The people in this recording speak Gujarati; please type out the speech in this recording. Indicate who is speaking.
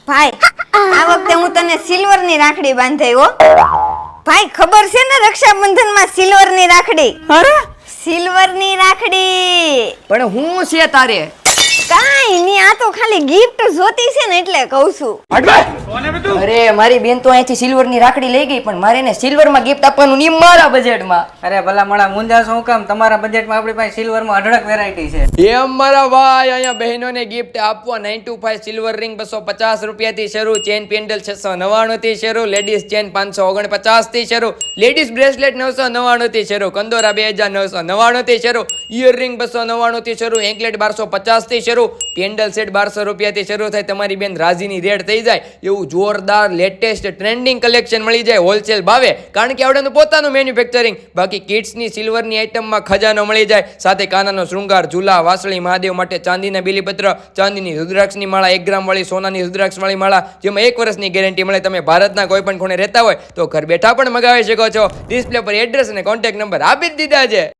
Speaker 1: ભાઈ આ વખતે હું તને સિલ્વર ની રાખડી બાંધાઈ હો ભાઈ ખબર છે ને રક્ષાબંધન માં સિલ્વર ની રાખડી
Speaker 2: અરે
Speaker 1: સિલ્વર ની રાખડી
Speaker 2: પણ હું છે તારે
Speaker 1: કાઈ ની આ તો ખાલી ગિફ્ટ જોતી છે ને એટલે કહું છું
Speaker 2: અરે મારી બેન તો અહીંથી સિલ્વર ની રાખડી લઈ ગઈ પણ મારે એને સિલ્વર માં ગિફ્ટ આપવાનું નહીં મારા બજેટમાં.
Speaker 3: અરે ભલા મણા મુંજા શું કામ તમારા બજેટમાં આપણી પાસે સિલ્વર માં અઢળક વેરાયટી છે.
Speaker 2: એમ મારા ભાઈ અહીંયા બહેનોને ગિફ્ટ આપવા 925 સિલ્વર રિંગ 250 રૂપિયાથી શરૂ, ચેન પેન્ડલ 699 થી શરૂ, લેડીઝ ચેન 549 થી શરૂ, લેડીઝ બ્રેસલેટ 999 થી શરૂ, કંદોરા 2999 થી શરૂ, ઇયરિંગ 299 થી શરૂ, એન્કલેટ 1250 થી શરૂ, પેન્ડલ સેટ 1200 રૂપિયાથી શરૂ થાય. તમારી બેન રાજીની રેડ થઈ જાય એવું જોરદાર લેટેસ્ટ ટ્રેન્ડિંગ કલેક્શન મળી જાય હોલસેલ ભાવે, કારણ કે આવડેનું પોતાનું મેન્યુફેક્ચરિંગ. બાકી કિડ્સની સિલ્વરની આઇટમમાં ખજાનો મળી જાય, સાથે કાનાનો શૃંગાર, ઝૂલા, વાસળી, મહાદેવ માટે ચાંદીના બીલીપત્ર, ચાંદીની રુદ્રાક્ષની માળા, 1 ગ્રામ વાળી સોનાની રુદ્રાક્ષવાળી માળા, જેમાં 1 વર્ષની ગેરંટી મળે. તમે ભારતના કોઈ પણ ખૂણે રહેતા હોય તો ઘર બેઠા પણ મગાવી શકો છો. ડિસ્પ્લે પર એડ્રેસ અને કોન્ટેક્ટ નંબર આપી જ દીધા છે.